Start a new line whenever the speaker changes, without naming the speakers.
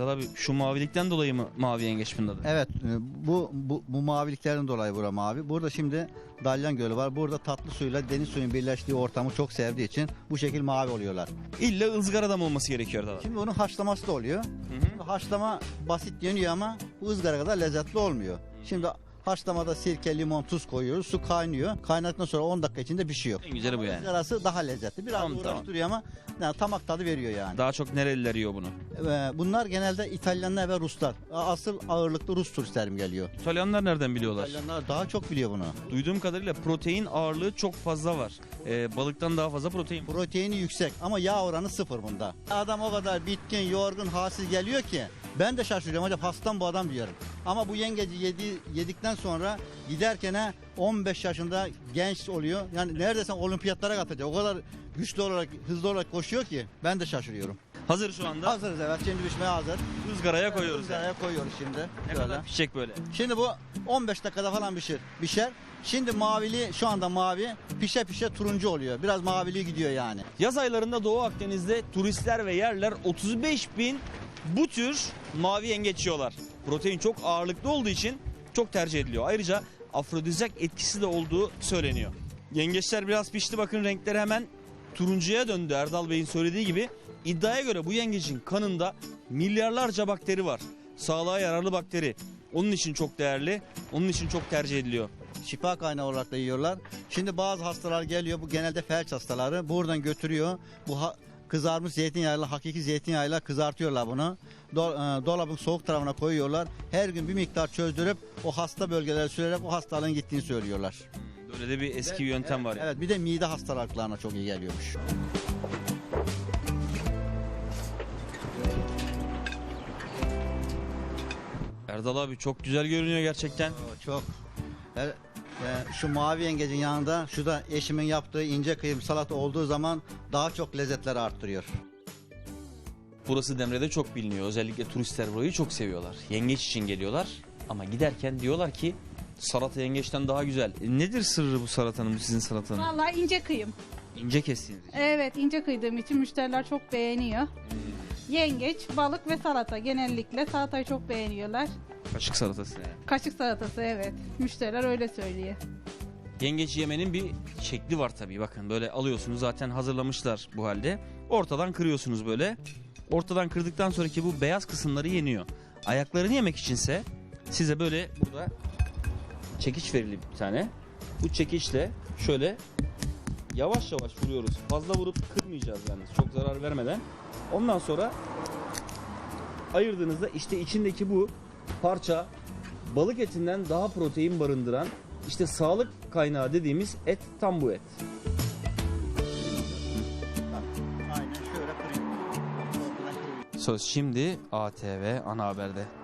Erdal abi şu mavilikten dolayı mı mavi yengeç bunun adı?
Evet, bu maviliklerden dolayı bura mavi. Burada şimdi Dalyan Gölü var. Burada tatlı suyla deniz suyunun birleştiği ortamı çok sevdiği için bu şekil mavi oluyorlar.
İlla ızgarada mı olması gerekiyor Erdal abi?
Şimdi bunun haşlaması da oluyor. Haşlama basit yeniyor ama bu ızgara kadar lezzetli olmuyor. Şimdi haşlamada sirke, limon, tuz koyuyoruz. Su kaynıyor. Kaynadıktan sonra 10 dakika içinde pişiyor.
En güzeli bu yani.
Izgarası daha lezzetli. Biraz
Tamam,
uğraştırıyor ama yani tamak tadı veriyor yani.
Daha çok nereliler yiyor bunu?
Bunlar genelde İtalyanlar ve Ruslar. Asıl ağırlıklı Rus turistlerim geliyor.
İtalyanlar nereden biliyorlar?
İtalyanlar daha çok biliyor bunu.
Duyduğum kadarıyla protein ağırlığı çok fazla var. Balıktan daha fazla protein.
Proteini yüksek ama yağ oranı sıfır bunda. Adam o kadar bitkin, yorgun, halsiz geliyor ki ben de şaşırıyorum hocam, hastam bu adam diyorum. Ama bu yengeci yedikten sonra giderken 15 yaşında genç oluyor. Yani neredeyse olimpiyatlara katacak. O kadar güçlü olarak, hızlı olarak koşuyor ki ben de şaşırıyorum.
Hazır şu anda.
Hazırız, evet, şimdi pişmeye hazır.
Izgaraya koyuyoruz.
Izgaraya koyuyoruz şimdi.
Ne
Şöyle.
kadar pişecek böyle?
Şimdi bu 15 dakikada falan pişer. Şimdi mavili, şu anda mavi, pişe turuncu oluyor. Biraz mavili gidiyor yani.
Yaz aylarında Doğu Akdeniz'de turistler ve yerler 35.000 bu tür mavi yengeç yiyorlar. Protein çok ağırlıklı olduğu için çok tercih ediliyor. Ayrıca afrodizyak etkisi de olduğu söyleniyor. Yengeçler biraz pişti, bakın renkleri hemen turuncuya döndü. Erdal Bey'in söylediği gibi iddiaya göre bu yengecin kanında milyarlarca bakteri var. Sağlığa yararlı bakteri. Onun için çok değerli, onun için çok tercih ediliyor.
Şifa kaynağı olarak da yiyorlar. Şimdi bazı hastalar geliyor, bu genelde felç hastaları, buradan götürüyor. Kızarmış zeytinyağıyla, hakiki zeytinyağıyla kızartıyorlar bunu. Dolabın soğuk tarafına koyuyorlar. Her gün bir miktar çözdürüp o hasta bölgelere sürerek o hastalığın gittiğini söylüyorlar.
Böyle de bir eski bir yöntem var.
Evet, bir de mide hastalıklarına çok iyi geliyormuş.
Erdal abi çok güzel görünüyor gerçekten.
Çok. Şu mavi yengecin yanında şu da eşimin yaptığı ince kıyım salata olduğu zaman daha çok lezzetleri arttırıyor.
Burası Demre'de çok biliniyor. Özellikle turistler burayı çok seviyorlar. Yengeç için geliyorlar ama giderken diyorlar ki salata yengeçten daha güzel. Nedir sırrı bu salatanın, bu sizin salatanın?
Vallahi ince kıyım.
İnce kestiğiniz için.
Evet, ince kıydığım için müşteriler çok beğeniyor. Yengeç, balık ve salata, genellikle salatayı çok beğeniyorlar.
Kaşık salatası yani.
Kaşık salatası, evet. Müşteriler öyle söylüyor.
Yengeç yemenin bir şekli var tabii. Bakın böyle alıyorsunuz, zaten hazırlamışlar bu halde. Ortadan kırıyorsunuz böyle. Ortadan kırdıktan sonraki bu beyaz kısımları yeniyor. Ayaklarını yemek içinse size böyle burada çekiç verili bir tane. Bu çekiçle şöyle yavaş yavaş vuruyoruz. Fazla vurup kırmayacağız yani, çok zarar vermeden. Ondan sonra ayırdığınızda işte içindeki bu parça balık etinden daha protein barındıran, işte sağlık kaynağı dediğimiz et tam bu et.
Aynen şöyle kırıyor.
Söz şimdi ATV Ana Haber'de.